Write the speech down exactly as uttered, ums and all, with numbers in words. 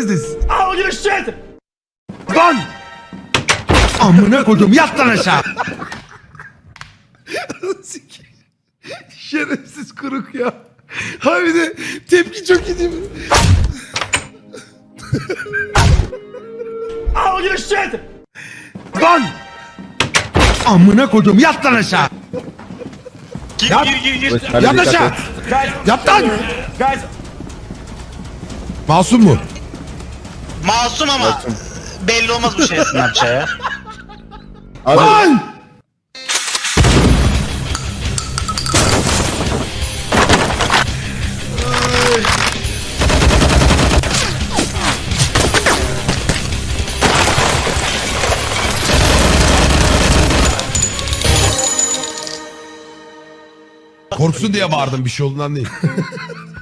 is this? Oh, you shit! Lan! Amına koydum, yat lan aşağı. Şerefsiz kuruk ya. Ha bir de tepki çok iyi değil mi? Oh, you shit! Lan! Amına koydum, yat lan aşağı. Gir, Yat. gir, gir, gir. Hadi Yat dikkat aşağı. et. Guys, Yat lan. guys, Masum mu? Masum ama belli olmaz bu şey Snapchat ya. Hadi. Lan! Korksun diye bağırdım, bir şey olduğundan değil.